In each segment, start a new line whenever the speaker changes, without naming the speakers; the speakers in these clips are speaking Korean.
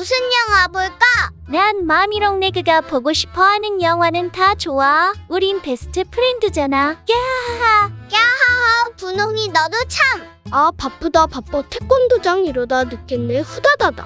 무슨 영화 볼까?
난 마미롱 레그가 보고 싶어하는 영화는 다 좋아. 우린 베스트 프렌드잖아. 야하하.
야하하, 분홍이 너도 참.
아, 바쁘다 바빠. 태권도장 이러다 늦겠네. 후다다다.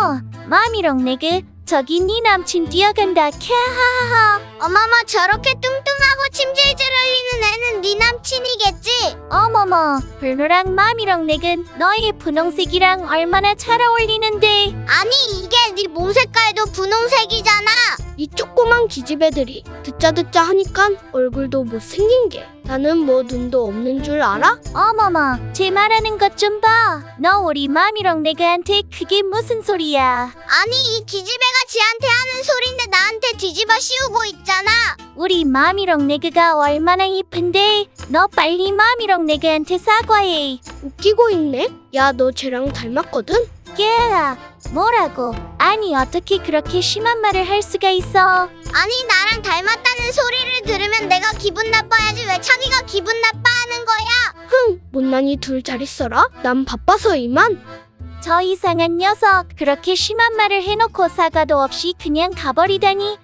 마미롱 레그. 저기 네 남친 뛰어간다. 캬하하하.
어머머, 저렇게 뚱뚱하고 침질질 흘리는 애는 네 남친이겠지?
어머머, 블루랑 마미롱 레그 너의 분홍색이랑 얼마나 잘 어울리는데.
아니, 이게 네 몸 색깔도 분홍색이잖아.
이 조그만 기집애들이 듣자 하니깐 얼굴도 못생긴 게. 나는 뭐 눈도 없는 줄 알아?
어머머, 제 말하는 것 좀 봐. 너 우리 마미롱 레그한테 그게 무슨 소리야?
아니, 이 기집애가 지한테 하는 소린데 나한테 뒤집어 씌우고 있잖아.
우리 마미롱 레그가 얼마나 이쁜데. 너 빨리 마미롱 레그한테 사과해.
웃기고 있네. 야, 너 쟤랑 닮았거든?
야, 뭐라고? 아니 어떻게 그렇게 심한 말을 할 수가 있어?
아니, 나랑 닮았다는 소리를 들으면 내가 기분 나빠야지 왜 자기가 기분 나빠하는 거야?
흥, 못난이 둘 잘 있어라. 난 바빠서 이만.
저 이상한 녀석, 그렇게 심한 말을 해놓고 사과도 없이 그냥 가버리다니.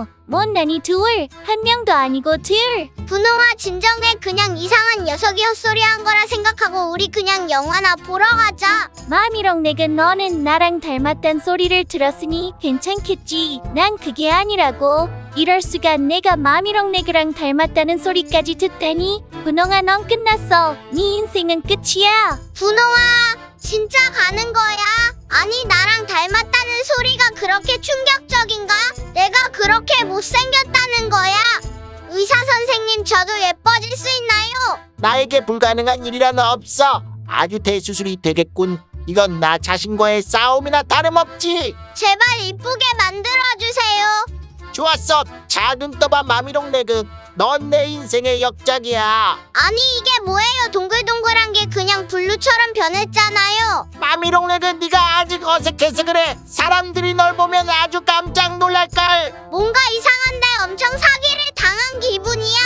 못난이 둘, 한 명도 아니고 둘.
분홍아, 진정해. 그냥 이상한 녀석이 헛소리한 거라 생각하고 우리 그냥 영화나 보러 가자.
마미롱 레그, 너는 나랑 닮았단 소리를 들었으니 괜찮겠지. 난 그게 아니라고. 이럴 수가. 내가 마미롱 레그랑 닮았다는 소리까지 듣다니. 분홍아, 넌 끝났어. 네 인생은 끝이야.
분홍아, 진짜 가는 거야? 아니, 나랑 닮았다는 소리가 그렇게 충격적인가? 내가 그렇게 못생겼다는 거야? 의사 선생님, 저도 예뻐질 수 있나요?
나에게 불가능한 일이란 없어. 아주 대수술이 되겠군. 이건 나 자신과의 싸움이나 다름없지.
제발 이쁘게 만들어주세요.
좋았어. 자, 눈 떠봐 마미롱 레그. 넌 내 인생의 역작이야.
아니, 이게 뭐예요? 동글동글한 게 그냥 블루처럼 변했잖아요.
마미롱 레그, 네가 아직 어색해서 그래. 사람들이 널 보면 아주 깜짝 놀랄걸.
뭔가 이상한데 엄청 사기를 당한 기분이야.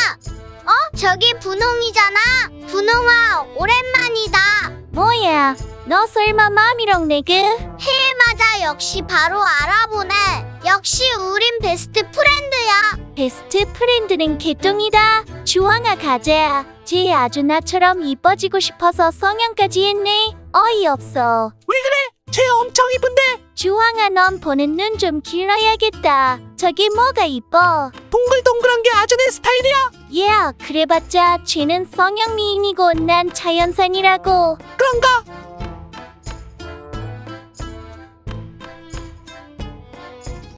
저기 분홍이잖아. 분홍아, 오랜만이다.
뭐야, 너 설마 마미롱 레그?
맞아, 역시 바로 알아보네. 역시 우린 베스트 프렌드야.
베스트 프렌드는 개똥이다. 주황아, 가자. 쟤 아주 나처럼 이뻐지고 싶어서 성형까지 했네. 어이없어.
쟤 엄청 이쁜데.
주황아, 넌 보는 눈 좀 길러야겠다. 저게 뭐가 이뻐?
동글동글한 게 아주 내 스타일이야.
그래봤자 쟤는 성형 미인이고 난 자연산이라고.
그런가?